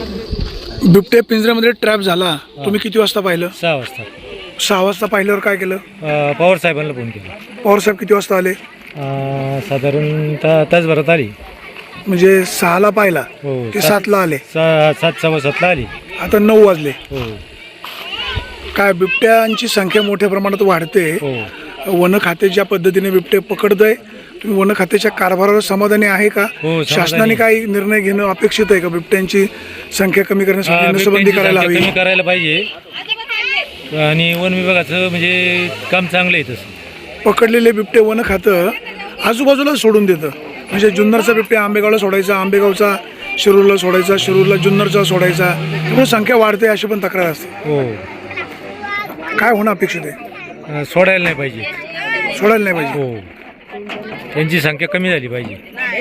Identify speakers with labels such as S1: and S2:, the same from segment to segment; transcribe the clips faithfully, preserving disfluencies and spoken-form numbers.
S1: बिबटे पिंजऱ्यामध्ये ट्रॅप झाला, तुम्ही किती वाजता पाहिलं?
S2: सहा वाजता
S1: सहा वाजता पाहिल्यावर काय केलं?
S2: अ, पवार साहेबांना फोन केला.
S1: पवार साहेब किती वाजता आले?
S2: अ, साधारण ता तासभरात आली.
S1: म्हणजे सहाला पाहिला
S2: हो
S1: ते
S2: सात-
S1: सातला आले,
S2: सा सात सव्वा सातला आली.
S1: आता नऊ वाजले.
S2: हो
S1: काय बिबट्यांची संख्या मोठ्या प्रमाणात वाढते.
S2: हो
S1: वन खाते ज्या पद्धतीने बिबटे पकडतंय, तुम्ही वन खात्याच्या कारभारावर समाधानी आहे का?
S2: हो, समाधानी.
S1: शासनाने काही निर्णय घेणं अपेक्षित आहे का? बिबट्यांची संख्या कमी करण्यासाठी नसबंदी करायला हवी.
S2: कमी करायला पाहिजे आणि वन विभागाचं म्हणजे काम चांगलं आहे तसं.
S1: पकडलेले बिबटे वन खातं आजूबाजूला सोडून देतं. म्हणजे जुन्नरचा बिबट्या आंबेगावला सोडायचा, आंबेगावचा शिरूरला सोडायचा, शिरूरला जुन्नरचा सोडायचा, त्यामुळे संख्या वाढते अशी पण तक्रार असते.
S2: हो
S1: काय होणं अपेक्षित आहे?
S2: अ, सोडायला नाही पाहिजे.
S1: सोडायला नाही पाहिजे.
S2: हो त्यांची संख्या कमी झाली पाहिजे.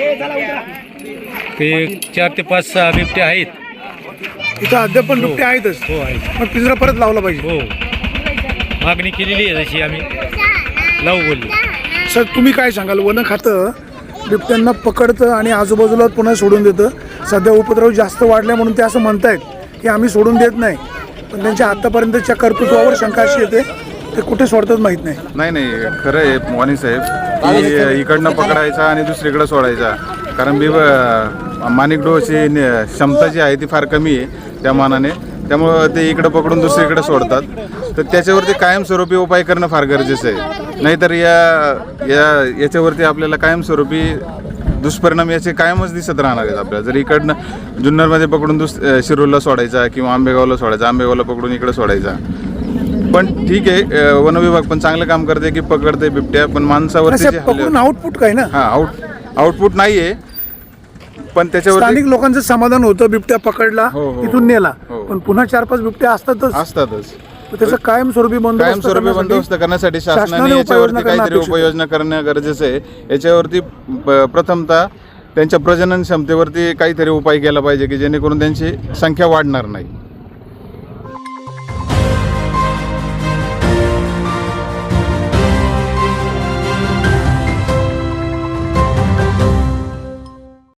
S2: ते चार ते पाच सहा बिबटे आहेत.
S1: इथं अद्याप पण बिबटे आहेतच.
S2: हो आहेत.
S1: मग पिंजरा परत लावला पाहिजे.
S2: हो मागणी केलेली आहे जशी आम्ही लावू बोललो.
S1: सर तुम्ही काय सांगाल? वन खातं बिबट्यांना पकडतं आणि आजूबाजूला पुन्हा सोडून देतं. सध्या उपद्रव जास्त वाढल्या म्हणून ते असं म्हणतायत की आम्ही सोडून देत नाही, पण त्यांच्या आतापर्यंतच्या कर्तृत्वावर शंका अशी येते ते कुठे सोडतात माहीत नाही.
S3: नाही नाही खरं आहे वाणी साहेब की इकडनं पकडायचा आणि दुसरीकडे सोडायचा. कारण बिब माणिक डोळची क्षमता जी आहे ती फार कमी आहे त्या मानाने, त्यामुळं ते इकडं पकडून दुसरीकडे सोडतात. तर त्याच्यावरती कायमस्वरूपी उपाय करणं फार गरजेचं आहे. नाहीतर या या याच्यावरती आपल्याला कायमस्वरूपी दुष्परिणाम याचे कायमच दिसत राहणार आहेत आपल्याला. जर इकडनं जुन्नरमध्ये पकडून दुस शिरूरला सोडायचा किंवा आंबेगावला सोडायचा, आंबेगावला पकडून इकडे सोडायचा. पण ठीक आहे, वन विभाग पण चांगलं काम करते की पकडते बिबट्या, पण माणसावरती जे
S1: पकडून आउटपुट काय ना?
S3: हा आउट आउटपुट नाही आहे, पण त्याच्यावर
S1: स्थानिक लोकांचं समाधान होतं बिबट्या पकडला
S3: हो, हो,
S1: तिथून नेला,
S3: हो.
S1: पण पुन्हा चार पाच बिबट्या असतातच.
S3: असतातच.
S1: तर त्याचं कायमस्वरूपी बंदोबस्त
S3: कायमस्वरूपी
S1: करण्यासाठी
S3: बंदोबस्त करण्यासाठी
S1: शासनाने
S3: शासनाने
S1: उपाययोजना
S3: याच्यावरती
S1: करणं
S3: काहीतरी
S1: अपेक्षित आहे.
S3: उपाययोजना करणं गरजेचं आहे. याच्यावरती प- प्रथमतः त्यांच्या प्रजनन क्षमतेवरती काहीतरी उपाय केला पाहिजे की जेणेकरून त्यांची संख्या वाढणार नाही.